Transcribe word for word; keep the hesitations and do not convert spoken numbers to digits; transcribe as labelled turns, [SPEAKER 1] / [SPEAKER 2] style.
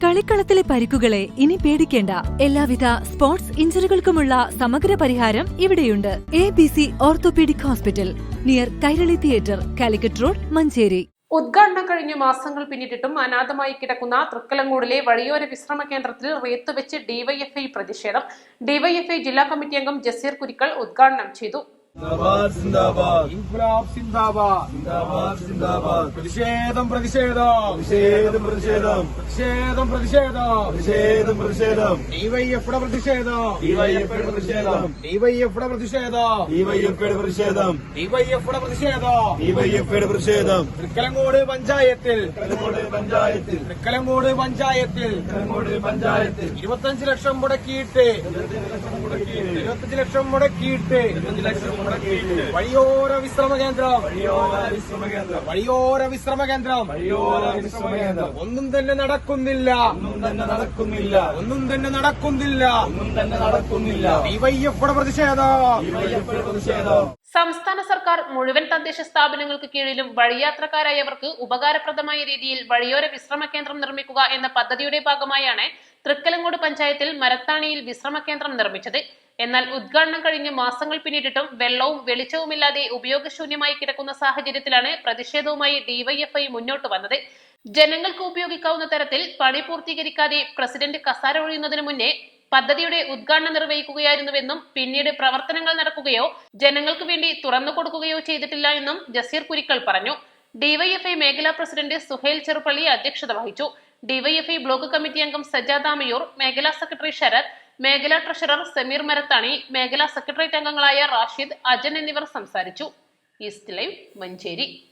[SPEAKER 1] കളിക്കളത്തിലെ പരിക്കുകളെ ഇനി പേടിക്കേണ്ട. എല്ലാവിധ സ്പോർട്സ് ഇഞ്ചുറികൾക്കുമുള്ള സമഗ്ര പരിഹാരം ഇവിടെയുണ്ട്. A B C orthopaedic hospital, near Kairali theatre, Calicut road, Manjeri.
[SPEAKER 2] ഉദ്ഘാടനം കഴിഞ്ഞ് മാസങ്ങൾ പിന്നിട്ടിട്ടും അനാഥമായി കിടക്കുന്ന തൃക്കലങ്ങോടിലെ വഴിയോര വിശ്രമ കേന്ദ്രത്തിൽ റേത്തുവെച്ച് ഡിവൈഎഫ്ഐ പ്രതിഷേധം. ഡിവൈഎഫ്ഐ ജില്ലാ കമ്മിറ്റി അംഗം ജസീർ കുരിക്കൽ ഉദ്ഘാടനം ചെയ്തു.
[SPEAKER 3] പ്രതിഷേധം പ്രതിഷേധം പ്രതിഷേധം പ്രതിഷേധം പ്രതിഷേധം പ്രതിഷേധം പ്രതിഷേധം പ്രതിഷേധം ഡിവൈഎഫ്ഐയുടെ പ്രതിഷേധം ഡിവൈഎഫ്ഐയുടെ പ്രതിഷേധം ഡിവൈഎഫ്ഐയുടെ പ്രതിഷേധം ഡിവൈഎഫ്ഐയുടെ പ്രതിഷേധം ഡിവൈഎഫ്ഐയുടെ പ്രതിഷേധം ഡിവൈഎഫ്ഐയുടെ പ്രതിഷേധം തൃക്കലങ്ങോട് പഞ്ചായത്തിൽ പഞ്ചായത്തിൽ തൃക്കലങ്ങോട് പഞ്ചായത്തിൽ പഞ്ചായത്തിൽ ഇരുപത്തഞ്ച് ലക്ഷം മുടക്കിയിട്ട് ഇരുപത്തഞ്ച് ലക്ഷം മുടക്കിയിട്ട് വഴിയോര വിശ്രമ കേന്ദ്രം വഴിയോര വിശ്രമ കേന്ദ്രം ഒന്നും തന്നെ നടക്കുന്നില്ല ഒന്നും തന്നെ നടക്കുന്നില്ല ഒന്നും തന്നെ നടക്കുന്നില്ല ഒന്നും തന്നെ നടക്കുന്നില്ല ഡിവൈഎഫ്ഐയുടെ പ്രതിഷേധം പ്രതിഷേധം.
[SPEAKER 2] സംസ്ഥാന സർക്കാർ മുഴുവൻ തദ്ദേശ സ്ഥാപനങ്ങൾക്ക് കീഴിലും വഴിയാത്രക്കാരായവർക്ക് ഉപകാരപ്രദമായ രീതിയിൽ വഴിയോര വിശ്രമ കേന്ദ്രം നിർമ്മിക്കുക എന്ന പദ്ധതിയുടെ ഭാഗമായാണ് തൃക്കലങ്ങോട് പഞ്ചായത്തിൽ മരത്താണിയിൽ വിശ്രമ കേന്ദ്രം നിർമ്മിച്ചത്. എന്നാൽ ഉദ്ഘാടനം കഴിഞ്ഞ് മാസങ്ങൾ പിന്നിട്ടിട്ടും വെള്ളവും വെളിച്ചവുമില്ലാതെ ഉപയോഗശൂന്യമായി കിടക്കുന്ന സാഹചര്യത്തിലാണ് പ്രതിഷേധവുമായി ഡിവൈഎഫ്ഐ മുന്നോട്ട് വന്നത്. ജനങ്ങൾക്ക് ഉപയോഗിക്കാവുന്ന തരത്തിൽ പണി പൂർത്തീകരിക്കാതെ പ്രസിഡന്റ് കസാര ഒഴിയുന്നതിന് മുന്നേ പദ്ധതിയുടെ ഉദ്ഘാടനം നിർവഹിക്കുകയായിരുന്നുവെന്നും പിന്നീട് പ്രവർത്തനങ്ങൾ നടക്കുകയോ ജനങ്ങൾക്ക് വേണ്ടി തുറന്നു കൊടുക്കുകയോ ചെയ്തിട്ടില്ല എന്നും ജസീർ കുരിക്കൽ പറഞ്ഞു. ഡിവൈഎഫ്ഐ മേഖലാ പ്രസിഡന്റ് സുഹേൽ ചെറുപ്പള്ളി അധ്യക്ഷത വഹിച്ചു. ഡിവൈഎഫ്ഐ ബ്ലോക്ക് കമ്മിറ്റി അംഗം സജാദ് ആമയൂർ, മേഖലാ സെക്രട്ടറി ശരത്, മേഖലാ ട്രഷറർ സമീർ മരത്താണി, മേഖലാ സെക്രട്ടേറിയറ്റ് അംഗങ്ങളായ റാഷിദ്, അജൻ എന്നിവർ സംസാരിച്ചു. East Live, Manjeri.